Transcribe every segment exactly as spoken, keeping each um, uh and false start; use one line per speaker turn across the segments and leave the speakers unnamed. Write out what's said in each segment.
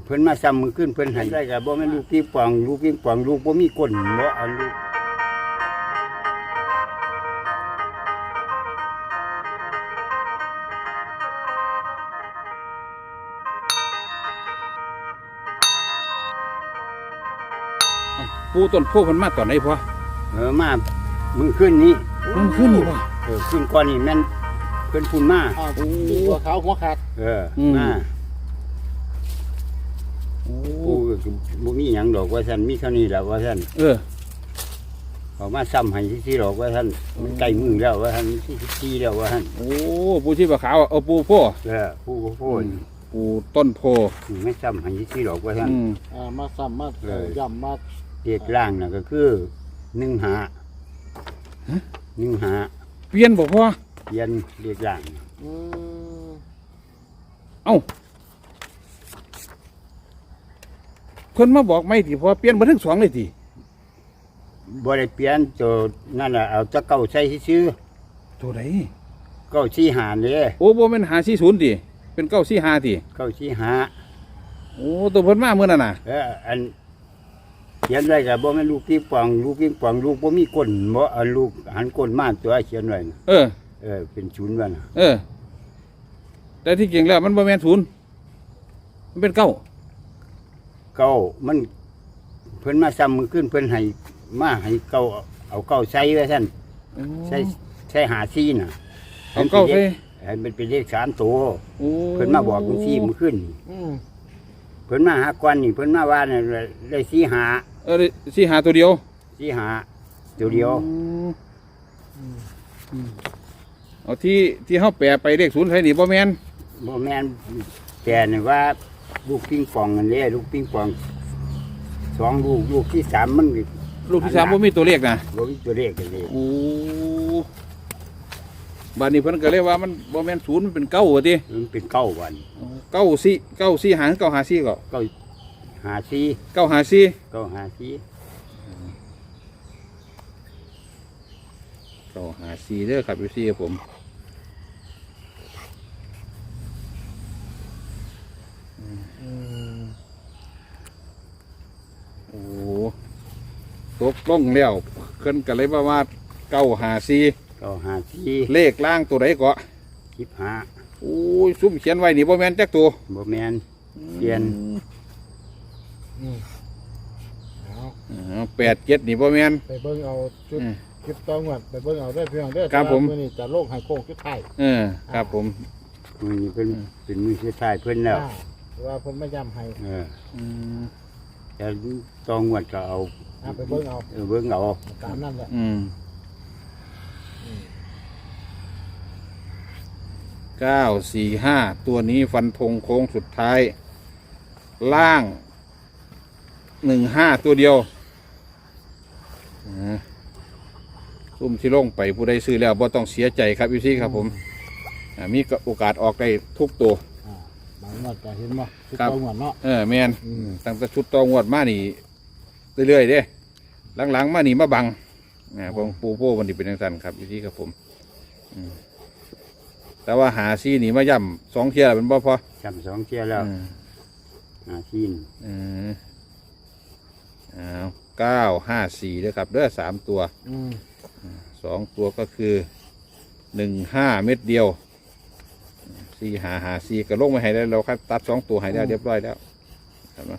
เพิ่นมาซ้ำมือขึ้นเพิ่นให้ได้ก็บ่แม่นลูกปิงปองลูกปิงปองลูกบ่มีก้นบ่เอาลูก
ปูต้นโพมันมาตอนไหนพ่อ
เออมามือขึ้นนี้
มันขึ้นนี่บ่
เออขึ้นก่อนนี่แม่นเพิ่นพุ่นมา
อ้าวตัวขาวหัวขาด
เออมาปูบ่มีหยังดอกว่าซั่นมีเท่านี้แหละว่าซั่น
เออ
เขามาซ้ำให้ที่ๆดอกว่าซั่นมันใกล้มือแล้วว่าซั่นที่สิบสี่แล้วว่าซั่น
โอ้ปูชีพขาวเอาปูโพ
เออปูโพ
ปูต้นโพ
ไม่ซ้ำให้ที่ๆดอกว่าซั่น
อ่ามาซ้ำมาย่ำมา
เด็กล่างน่ะก็คือหนึ่งหาหนึ่งหา
เปลี่ยนบ่พ่อ
เปลี่ยนเด็กล่าง
อืม
เอ้าเพิ่นมาบอกไม่ติพ่อเปลี่ยนบ่ทั้งสองเลยติ
บ่ได้เปลี่ยนตัวนั่นน่ะเอาตะเก้าใส่ซื่อ
ตัวใด
เก้าสี่หาเด้
โอ้บ่แม่นห้าสี่ศูนย์ติเป็นเก้าสี่ห้าติ
เก้าสี่หา
โอ้ตัวเพิ่นมามื้อนั้นน่ะ
เอออันเขียนไว้ก็บ่แม่นลูกปิงปองลูกปิงปองลูกบ่มีก้นบ่เอาลูกหันก้นมาตัวเขียนไว้
เออ
เออเป็นศูนย์ว่าน่ะ
เออแต่ที่จริงแล้วมันบ่แม่นศูนย์มันเป็นเก้า
เก้ามันเพิ่นมาซ้ำมือขึ้นเพิ่นให้มาให้เก้าเอาเก้าใส่ไว้ซั่นใส่ใส่หาซี่น่ะ
เอาเก้าใส่
ให้มันเป็นเลขสามตัวเพิ่นมาบอกจังซี่มื้อขึ้น
อืม
เพิ่นมาหาก่อนนี่เพิ่นมาว่าเนี่ยได้สี่หา
เออสี่หาตัวเดียว
สี่หาตัวเดียว
เอาที่ที่เฮาแปลไปเลขศูนย์ใส่นี่บ่แม่น
บ่แม่นแต่นี่ว่าลูกปิงปองนั่นแหละลูกปิงปองสองลูกลูกที่สามมัน
ลูกที่สามบ่มีตัวเลขนะ
บ่มีตัวเลขเลย
โอ้บัดนี้เพิ่นก็เรียกว่ามันบ่แม่นศูนย์มันเป็นเก้าว่าติ
มันเป็นเก้าวัน
เก้าสี่เก้าสี่หารเก้าหาสี่ก็
เก้าหาสี่
เก้าหาสี่
เก้าหาสี่
เก้าหาสี่เด้อครับพี่ครับผมโอ้ตกลงแล้วเพิ่นก็เลยว่าว่าเก้าหาสี่
เก้าหาสี่
เลขล่างตัวไหนก็
สิบห้า
โอ้ยซุ่มเขียนไว้นี่บ่แม่นจักตัว
บ่แม่นเขียน
แปดเจ็ดนี่บ่แม่น
ไปเบิ่งเอาชุดคลิปต้องวัดไปเบิ่งเอาได้เพียงเด้อ
ครับผม
มื้อนี้จะโลกให้โค้งสุดท้าย
เออครับผม
มื้อนี้เพิ่นเป็นมื้อสุดท้ายเพิ่นแล้ว
ว่าเพิ่นไม่ย้ำให้
เอออืมแต่ต้องวัดก็เอา
ไปเบิ่งเอา
เออเบิ่งเอา
ตามนั้นแหละ
อืมเก้าสี่ห้าตัวนี้ฟันธงโค้งสุดท้ายล่างหนึ่งห้าตัวเดียวซุ่มที่ลงไปผู้ใดซื้อแล้วบ่ต้องเสียใจครับพี่ซี่ครับผมมีโอกาสออกได้ทุกตัว
บางงวดก็เห็นบ่ชุดตองวดเนาะ
เออแมนตั้งแต่ชุดตองวดมานี่เรื่อยๆเด้หลังๆมานี่มาบังนะผมปูโป้วันนี้เป็นอย่างนั้นครับพี่ซี่ครับผมแต่ว่าหาซี่นี่มาย่ำสองเที่ยเป็นบ่พ
อย่ำสองเที่ยแล้วหาซี่
อืมอ้าวเก้าห้าสี่ด้วยครับเด้อสามตัวสองตัวก็คือหนึ่งห้าเม็ดเดียวสี่หาหาสี่กระลงมาให้ได้เราครับตัดสองตัวให้ได้เรียบร้อยแล้วเห็นไหม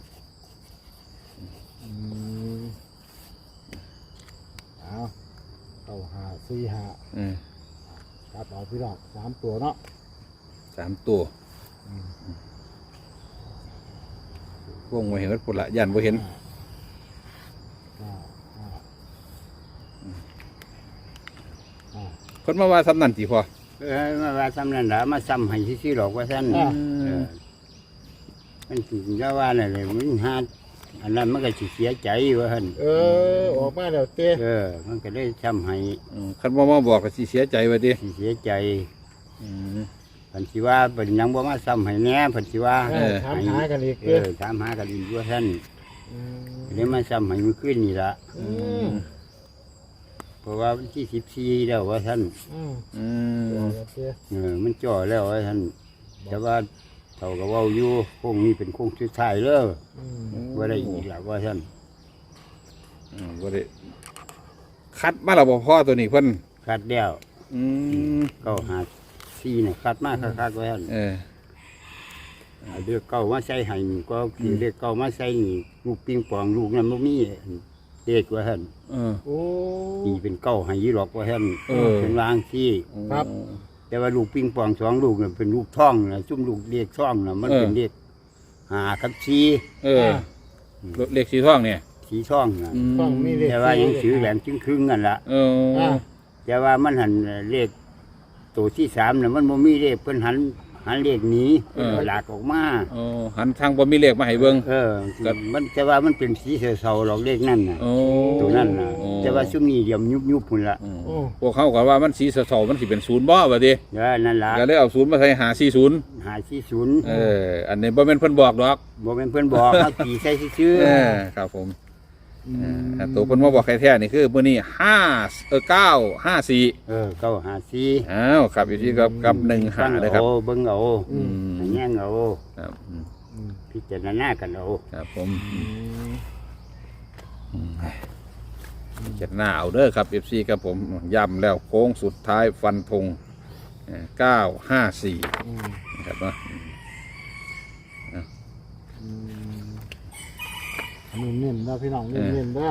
เอาเก้าหาสี่หาตัดออกพี่น้องสามตัวเนาะ
สามตัววงมาเห็นวัดปุระยันบ่เห็นคนมาว่าซ้ำนั่นสิพอ
เออมาว่าซ้ำนั่นละมาซ้ำให้ซื่อๆหรอกว่าท่านมันถึงจะว่าอะไรมันหาอันนั้นมันก็เสียใจว่าท่าน
เออออกมาแล้วเต้
เออมันก็ได้ซ้ำให้
คันว่ามาบอกก็สิเสียใจว่าดิ
เสียใจผันสิว่าเป็นยังบ่มาซ้ำให้แน่ผันสิว่า
ถามหากันอีก
เออถามหากันอีกว่าท่านเลยมาซ้ำให้มันขึ้นนี่ละเพราะว่าวันที่สิบสี่แล้วว่าท่านเออมันจ่อแล้วว่าท่านแต่ว่าเท่ากับว่าอยู่โค้งนี้เป็นโค้งสุดท้ายเลย
อืม
ว่าได้อีกแล้วว่าท่าน
อืมบ่ได้คัดมาแล้วบ่พ่อตัวนี้เพิ่น
คัดแล้ว
อืม
เก้าหาซีเนี่ยคัดมากคักๆว่าท่าน
เออ
เอาเลือกเก้ามาใส่ให้นี่ก็คือเลือกเก้ามาใส่นี่ลูกปิงปองลูกนั้นบ่มีเด็กว่าท่าน
เออ
โอ้
ตีเป็นเก้าให้ยี่หรอกว่าท่าน
เออ
เป็นวางที่
ครับ
แต่ว่าลูกปิงปองสองลูกน่ะเป็นลูกท่องนะซุ่มลูกเด็กท่องนะมันเป็นเด็กหากับชี
เออเลขสีทองเนี่ย
สีท่องนะ
ฟังมีเลข
แต่ว่ายังถือแหลมจึงครึ่งๆกันละ
เออ
อ่า
แต่ว่ามันหันเลขตัวที่สามน่ะมันบ่มีเลขเพิ่นหันหันเลขหนี้หลากออกมา
เออหันทางบ่มีเลขมาให้เบิ่ง
เออมันแต่ว่ามันเป็นสีเสาๆหรอกเลขนั่นน่ะ
โอ้
ตัวนั่นน่ะ
โอ้
แต่ว่าซุ่มนี้เดี๋ยวยุบๆพุ่นละ
อืม
โอ้
พวกเขาก็ว่ามันสีสะเทามันสิเป็นศูนย์บ่ว่าติ
เออนั่นล่ะ
ก็เลยเอาศูนย์มาใส่หาสี่ศูนย์
หาที่ศูนย์
เออ อันนี้บ่แม่นเพิ่นบอกดอก
บ่แม่นเพิ่นบอกเขาตีใส่ซื่อ
เออครับผมเออแต่ตัวเพิ่นมาบอกใครแท้นี่คือมื้อนี้ห้าเออเก้าห้าสี่
ๆเออเก้าหาสี่
อ้าวครับอยู่ที่กับกับหนึ่งหาเลยครับ
เอาเบิ่งเอา
อืม
อันแย่งเอา
ครับอืม
อืม
พิจารณากันเอา
ครับผม
อืม
เจ็ดหน้าเอาเด้อครับ เอฟ ซี ครับผมย้ำแล้วโค้งสุดท้ายฟันธงเก้าห้าสี่
อืม
นะครับเนาะ
อืมอันนี้เน้นนะพี่น้องเน้นเน้นๆเด้อ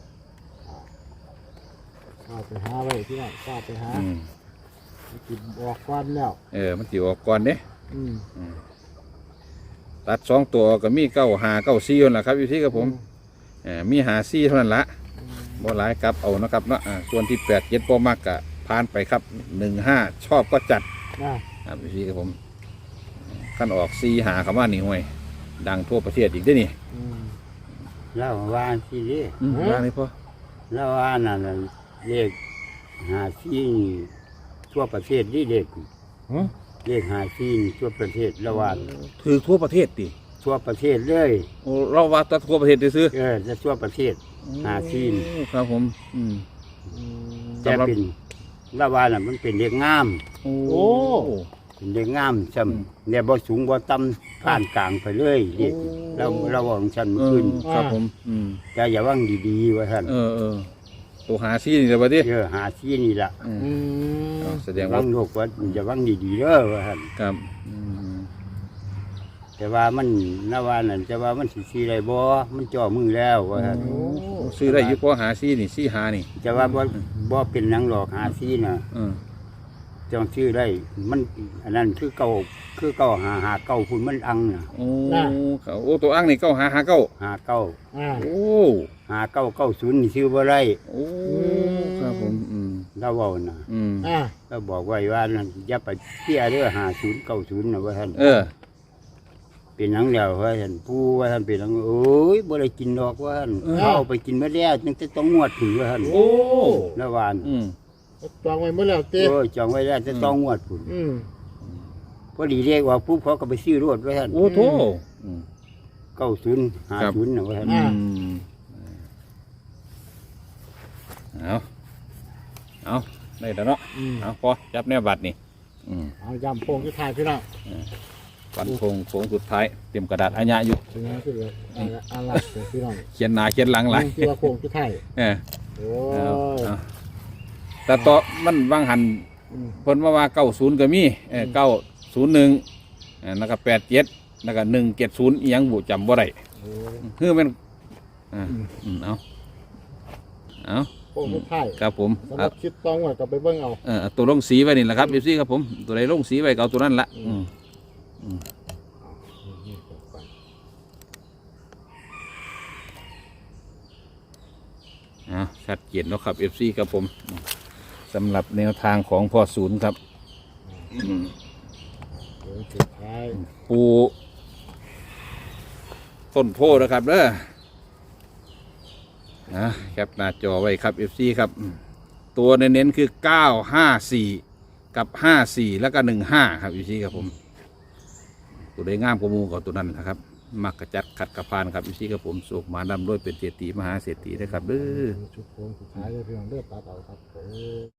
ข้าไปหาไว้พี่น้องข้าไปหา
อืม
กินบอกควันแล้ว
เออมันติออกก่อนเด้
อืม
ตัดสองตัวก็มีเก้าหาเก้าสี่นั่นแหละครับอยู่ที่กับผมเออมีหาสี่เท่านั้นละบ่หลายครับเอานะครับเนาะอ่าส่วนที่แปดเจ็ดบ่มากกะผ่านไปครับหนึ่งห้าชอบก็จัด
นะครับ
อยู่ที่กับผมขั้นออกสี่หาคำว่านี่ห่วย ดังทั่วประเทศอีกเด้วยนี่
อืม
เล่าว่าสิเด้
อืมว่านี่พ่อ
เล่าว่านั่นน่ะเลขหาสี่นี่ทั่วประเทศนี่เลข
ฮะ
เลขหาสี่นี่ทั่วประเทศละว่า
ถือทั่วประเทศดิ
ทั่วประเทศเลย
โอ้เราว่าแตัทั่วประเทศซื้อ
เออจะทั่วประเทศ หาซีน
โอ้ครับผมอืม
อืม
แต่เป็นละว่าน่ะมันเป็นเลขงาม
โอ้
โอ้
เป็นเลขงามซ้ำเนี่ยบ่สูงบ่ต่ำผ่านกลางไปเลยเลขเราเราว่าของฉัน
เอ
ขึ้
อน ครับผมอืม
แต่อย่าว่างดีๆว่าท่าน
เออเออตัวหาซี่นี่เดี๋ยวบัดนี้
เออหาซีนี่ล่ะ
อืม
อืม
เอาแสดง
ว่า
ว่าง
โลกว่าอย่าว่างดีๆเด้อว่าท่าน
ครับอืม
แต่ว่ามันละว่านั่นแต่ว่ามันสิซีได้บ่มันจ่อมือแล้วว่าท่าน
โอ้
ซื้อได้อยู่พอหาซี่นี่ซี่หานี่
แต่ว่าบ่บ่เป็นหยังหรอกหาซีน่ะ
เออ
จองชื่อได้ มันอันนั้นคือเก่าคือเก่าหาหาเก่าคุณมันอังน่ะ
โอ้เขาโอ้ตัวอ้างนี่เก้าหาหาเก้า
หาเก่า
อ่า
โอ้
หาเก้าเก้าศูนย์นี่ชื่อบ่ได้
โอ้ครับผมอืม
เราเว้าน่ะ
อืม
อ่า
เราบอกไว้ว่านั่นอย่าไปเที่ยเด้อหาศูนย์เก้าศูนย์นะว่าท่าน
เออ
เป็นหยังแล้วว่าท่านผู้ว่าท่านเป็นหยังโอ้ยบ่ได้กินดอกว่าท่านเอาไปกินมาแล้วจังจะต้องงวดถึงว่าท่าน
โอ้
แล้ววาน
อืม
จองไว้เมื่อแล้วเต้
โอ้ยจองไว้แล้วจะต้องงวดพุ่น
อืม
พอดีเรียกว่าผู้เขาก็ไปซื้อรถว่าท่าน
โอ้โถอืม
เก้าศูนย์หาศูนย์นะว่าท่าน
อืมเอาเอาได้แล้วเนาะ
อืม
เอาพอจับแนวบัตรนี่อืม
เอายำโป่งที่ถ่ายพี่น้อง
ฟันธงโค้งสุดท้ายเตรียมกระดาษอัญญาอยู่
เป็นไงคืออะไรอะไรพี่น้อง
เขียนหน้าเขียนหลังหลาย
ที่ว่าโป่งที่ถ่าย
เออ
โอ้
เอา
ย
เอาแต่ต่อมันวางหัน
อืม
เพิ่นมาว่าเก้าศูนย์ก็มีเออเก้าศูนย์หนึ่งแล้วก็แปดเจ็ดแล้วก็หนึ่งเจ็ดศูนย์ยังบุจำบ่ได้
โอ้ย
คือมันอ่าอืมเอาเอา
โป่งที่ถ่าย
ครับผม
สำห
เอา
รับคิดตองไว้กับไปเบิ่งเอา
เออเอาตัวลงสีไว้นี่แหละครับพี่ซี่ครับผมตัวใดลงสีไว้ก็เอาตัวนั้นละอืมอืมอ่าชัดเจนแล้วครับเอฟซีครับผมสำหรับแนวทางของพ่อศูนย์ครับอืม
โป่งสุดท้าย
ปูต้นโพนะครับเด้อนะแคปหน้าจอไว้ครับ เอฟ ซี ครับอืมตัวเน้นๆคือเก้าห้าสี่กับห้าสี่แล้วก็หนึ่งห้าครับ เอฟ ซี ครับผม ตัวใดงามกว่าหมูกับตัวนั้นนะครับ มักกระจัดขัดกระพานครับ เอฟ ซี ครับผมสุกมาดำด้วยเป็นเศรษฐีมหาเศรษฐีนะครับเด้อ
ชุดโป่งสุดท้ายเลยพี่น้องเลือดตัดเอาครับผม